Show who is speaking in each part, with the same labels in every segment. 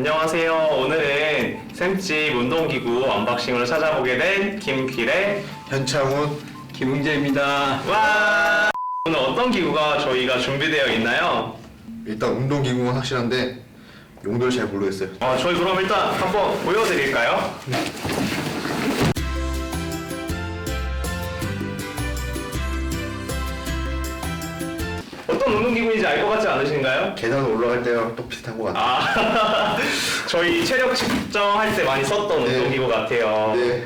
Speaker 1: 안녕하세요. 오늘은 샘집 운동기구 언박싱으로 찾아보게 된 김길의
Speaker 2: 현창훈,
Speaker 3: 김웅재입니다.
Speaker 1: 와! 오늘 어떤 기구가 저희가 준비되어 있나요?
Speaker 2: 일단 운동기구는 확실한데 용도를 잘 모르겠어요.
Speaker 1: 저희 그럼 일단 한번 보여드릴까요? 어떤 운동기구인지 알 것 같지 않으신가요?
Speaker 2: 계단 올라갈 때랑 또 비슷한 것 같아요.
Speaker 1: 저희 체력 측정할 때 많이 썼던
Speaker 2: 네.
Speaker 1: 운동기구 같아요.
Speaker 2: 네.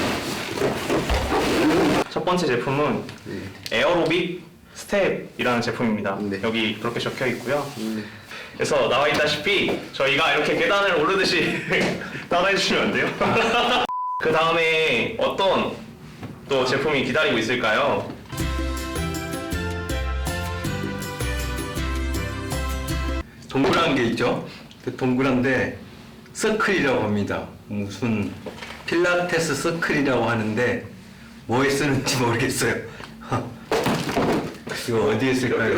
Speaker 1: 첫 번째 제품은 에어로빅 스텝이라는 제품입니다.
Speaker 2: 네.
Speaker 1: 여기 그렇게 적혀 있고요. 그래서 나와 있다시피 저희가 이렇게 계단을 오르듯이 따라해 주시면 안 돼요. 그 다음에 어떤 또 제품이 기다리고 있을까요?
Speaker 3: 동그란 게 있죠? 그 동그란데 서클이라고 합니다. 무슨 필라테스 서클이라고 하는데 뭐에 쓰는지 모르겠어요. 이거 어디에 쓸까요?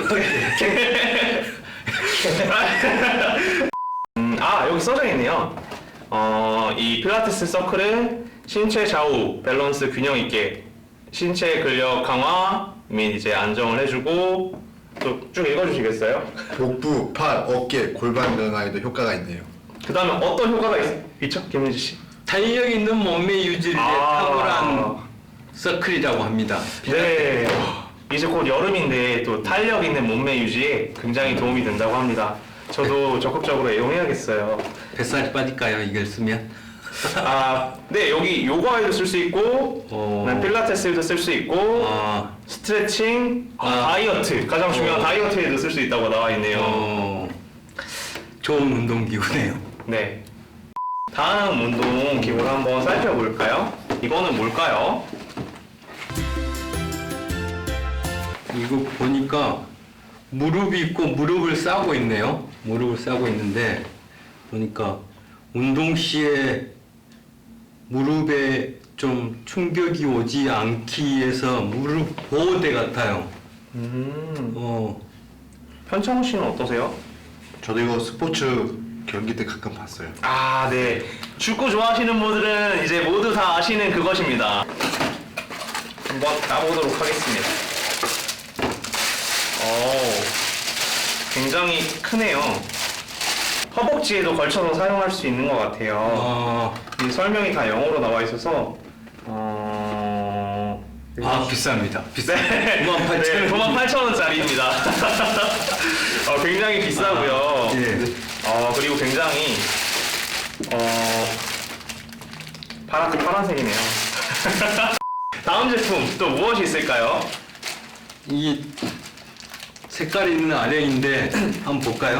Speaker 1: 여기 써져 있네요. 이 필라테스 서클은 신체 좌우 밸런스 균형 있게 신체 근력 강화 및 이제 안정을 해주고 또 쭉 읽어주시겠어요?
Speaker 2: 복부, 팔, 어깨, 골반 변화에도 효과가 있네요.
Speaker 1: 그 다음에 어떤 효과가 있죠? 김민지 씨?
Speaker 3: 탄력 있는 몸매 유지를 위해 탁월한 서클이라고 합니다.
Speaker 1: 네. 이제 곧 여름인데 또 탄력 있는 몸매 유지에 굉장히 도움이 된다고 합니다. 저도 적극적으로 애용해야겠어요.
Speaker 3: 뱃살이 빠질까요? 이걸 쓰면?
Speaker 1: 네, 여기 요가에도 쓸 수 있고, 그다음에 필라테스에도 쓸 수 있고, 스트레칭, 다이어트, 가장 중요한 다이어트에도 쓸 수 있다고 나와 있네요.
Speaker 3: 좋은 운동기구네요.
Speaker 1: 네. 다음 운동 기구를 한번 살펴볼까요? 이거는 뭘까요?
Speaker 3: 이거 보니까 무릎이 있고 무릎을 싸고 있네요. 무릎을 싸고 있는데 보니까 운동 시에 무릎에 좀 충격이 오지 않기 위해서 무릎 보호대 같아요.
Speaker 1: 현창훈 씨는 어떠세요?
Speaker 2: 저도 이거 스포츠 경기 때 가끔 봤어요.
Speaker 1: 네. 축구 좋아하시는 분들은 이제 모두 다 아시는 그것입니다. 한번 까보도록 하겠습니다. 굉장히 크네요. 허벅지에도 걸쳐서 사용할 수 있는 것 같아요. 이 설명이 다 영어로 나와 있어서
Speaker 3: 비쌉니다.
Speaker 1: 네, 98,000원짜리입니다. 굉장히 비싸고요. 그리고 굉장히 파란색이네요. 다음 제품 또 무엇이 있을까요?
Speaker 3: 이 색깔이 있는 아령인데 한번 볼까요?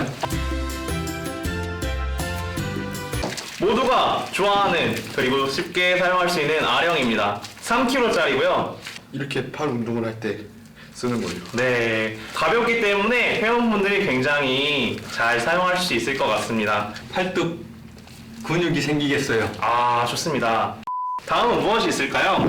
Speaker 1: 모두가 좋아하는 그리고 쉽게 사용할 수 있는 아령입니다. 3kg짜리고요.
Speaker 2: 이렇게 팔 운동을 할 때 쓰는 거예요.
Speaker 1: 네, 가볍기 때문에 회원분들이 굉장히 잘 사용할 수 있을 것 같습니다.
Speaker 3: 팔뚝 근육이 생기겠어요.
Speaker 1: 좋습니다. 다음은 무엇이 있을까요?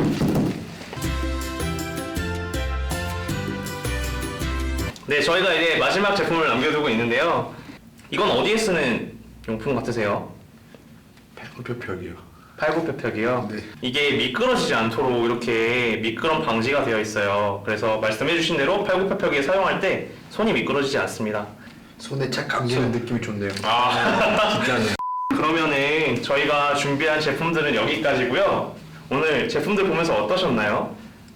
Speaker 1: 네, 저희가 이제 마지막 제품을 남겨두고 있는데요. 이건 어디에 쓰는 용품 같으세요?
Speaker 2: 팔굽혀펴기요.
Speaker 1: 팔굽혀펴기요?
Speaker 2: 네.
Speaker 1: 이게 미끄러지지 않도록 이렇게 미끄럼 방지가 되어 있어요. 그래서 말씀해주신 대로 팔굽혀펴기에 사용할 때 손이 미끄러지지 않습니다.
Speaker 2: 손에 착 감기는 느낌이 좋네요.
Speaker 3: 진짜네요.
Speaker 1: 그러면은 저희가 준비한 제품들은 여기까지고요. 오늘 제품들 보면서 어떠셨나요?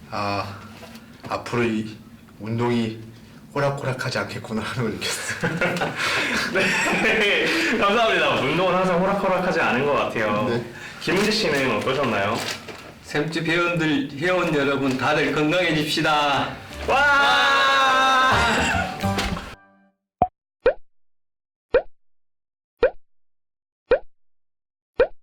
Speaker 2: 앞으로 이 운동이 호락호락하지 않겠구나 하는 걸 느꼈어요.
Speaker 1: 네, 감사합니다. 운동은 항상 호락호락하지 않은 것 같아요.
Speaker 2: 네.
Speaker 1: 김은지 씨는 어떠셨나요?
Speaker 3: 샘집 회원 여러분 다들 건강해집시다.
Speaker 1: 와!